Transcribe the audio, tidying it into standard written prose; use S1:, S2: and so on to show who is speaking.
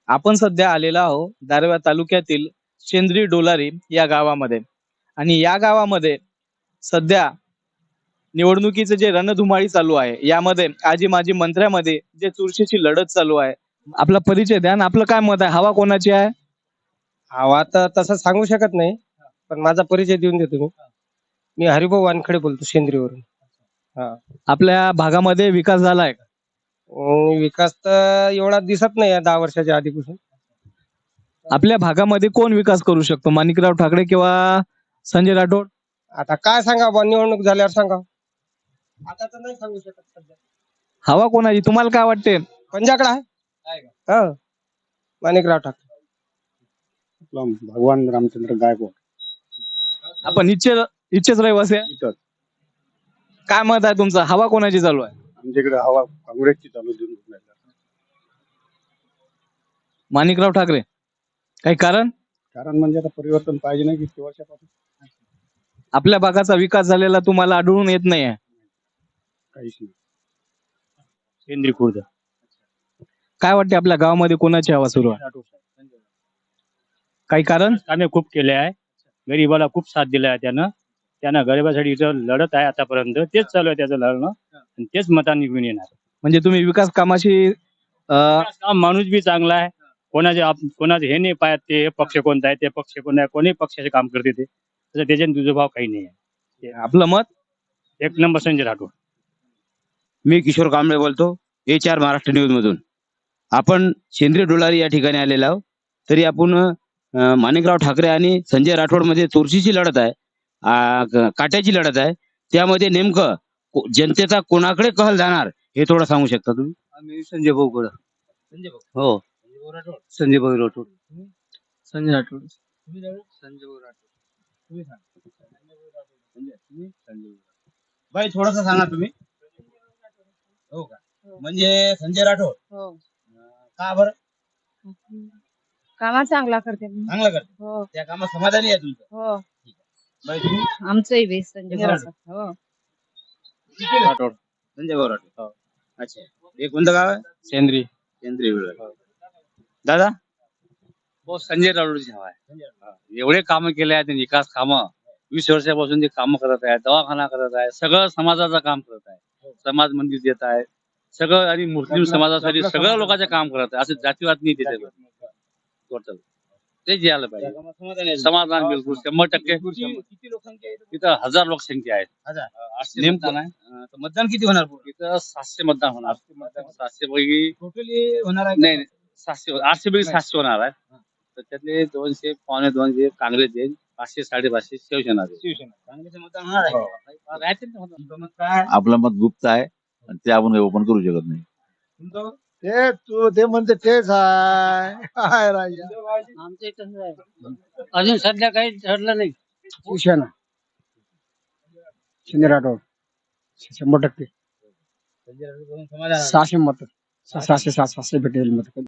S1: आपण सध्या आलेलो आहोत दारव्हा तालुक्यातील शेंद्री डोलारी या गावामध्ये आणि या गावामध्ये सध्या निवडणुकीचे जे रणधुमाळी चालू आहे यामध्ये आजी माजी मंत्र्यामध्ये जे चुरशीची लढत चालू आहे. आपला परिचय द्या आणि आपलं काय मत आहे, हवा कोणाची आहे?
S2: हवा तर तसं सांगू शकत नाही, पण माझा परिचय देऊन देतो मी. मी हरिभाऊ वानखडे बोलतो शेंद्रीवरून. हा.
S1: आपल्या भागामध्ये विकास झालाय का?
S2: विकास तर एवढा दिसत नाही या 10 वर्षाच्या आधीपासून.
S1: आपल्या भागामध्ये कोण विकास करू शकतो, माणिकराव ठाकरे किंवा संजय राठोड?
S2: आता काय सांगा बा, निवडणूक झाल्यावर सांगा. आता तर नाही सांगू शकत सध्या.
S1: हवा कोणाची तुम्हाला काय वाटते?
S2: पंजाकडे आहे. हा, माणिकराव ठाकरे.
S3: भगवान रामचंद्र गायकवाड.
S1: आपण इच्छेच रहिवासी आहे.
S3: इथं
S1: काय मत आहे तुमचं, हवा कोणाची चालू आहे?
S3: आमच्याकडे हवा काँग्रेसची चालू देऊन राहिला.
S1: माणिकराव ठाकरे. काही कारण?
S3: कारण म्हणजे आता परिवर्तन पाहिजे नाही किती वर्षापासून
S1: आपल्या भागाचा विकास झालेला तुम्हाला आढळून येत नाही आहे?
S3: काहीच नाही. शेंद्री खुर्द.
S1: काय वाटते आपल्या गावामध्ये कोणाची हवा सुरू आहे? काही कारण?
S4: कामे खूप केले आहे, गरीबाला खूप साथ दिला आहे त्यानं गरिबासाठी इथं लढत आहे आतापर्यंत. तेच चालू आहे त्याचं लढणं आणि तेच मतांनी निघून येणार.
S1: म्हणजे तुम्ही विकास कामाशी
S4: काम माणूस बी चांगला आहे, कोणाचे हे नाही पाहत ते हे पक्ष कोणता आहे ते पक्ष कोणता आहे, कोणी पक्षाचे काम करते ते तसं त्याच्यात दुजाभाव काही नाही आहे.
S1: आपलं मत?
S4: एक नंबर संजय राठोड.
S5: मी किशोर कांबळे बोलतो, HR महाराष्ट्र न्यूज मधून. आपण शेंद्री डोलारी या ठिकाणी आलेलो आहोत. तरी आपण माणिकराव ठाकरे आणि संजय राठोड मध्ये चुरशीची लढत आहे, काट्याची लढत आहे. त्यामध्ये नेमकं जनतेचा कोणाकडे कल जाणार हे थोडं सांगू शकता तुम्ही?
S1: आम्ही संजय भाऊकडं. हो, संजय भाऊ राठोड. संजय राठोड. संजय भाऊ राठोड.
S5: बाई थोडस सांगा तुम्ही. हो का? म्हणजे संजय राठोड.
S6: हो,
S5: का बरं?
S6: कामा चांगला करते.
S5: चांगलं करते.
S6: हो
S5: त्या कामात समाधानी आहे तुमचं?
S6: हो,
S5: बाई तुम्ही?
S6: आमचंही बेस संजय
S5: संजय
S6: भाऊचं. हो,
S5: राठोड. संजय भाऊ राठोड. अच्छा. हे कोणतं गाव आहे?
S1: शेंद्री.
S5: केंद्रीय विभाग. दादा?
S7: हो, संजय राठोडची हवा आहे. एवढे कामं केले आहेत त्यांनी, विकास कामं 20 वर्षापासून ते कामं करत आहे, दवाखाना करत आहे, सगळं समाजाचं काम करत आहे, समाज मंदिर देत आहे सगळं, आणि मुस्लिम समाजासाठी सगळं लोकांचं काम करत आहे. असं जातीवाद नाही त्याच्यावर टोटल. ते जे आलं पाहिजे समाधान बिलकुल 100%.
S5: किती लोकसंख्या आहे इथं?
S7: इथं 1000 लोकसंख्या आहेत.
S5: 1000.
S7: 800
S5: नेमकं
S7: मतदान आहे.
S5: तर मतदान किती होणार?
S7: इथं 700 मतदान होणार. 700 पैकी
S5: टोटली होणार आहे?
S7: नाही 700, 800 पैकी 700 होणार आहे. तर त्यातले 200 पावणे 200 काँग्रेस येईल, 500 550 शिवसेना देईल.
S5: शिवसेना. काँग्रेसचं मतदान होणार आहे?
S7: राहतील ना मतदान.
S5: तुमचं मत काय?
S8: आपलं मत गुप्त आहे आणि ते आपण ओपन करू शकत नाही.
S5: तुमचं?
S3: ते तू ते म्हणते तेच आहे. काय राजा?
S4: आमचं तसंच आहे, अजून सध्या काही ठरलं नाही.
S2: शिवसेना. संजय राठोड 100%.
S5: संजय राठोड करून समाधान आहे.
S2: 600 मत. 700 भेटेल मत.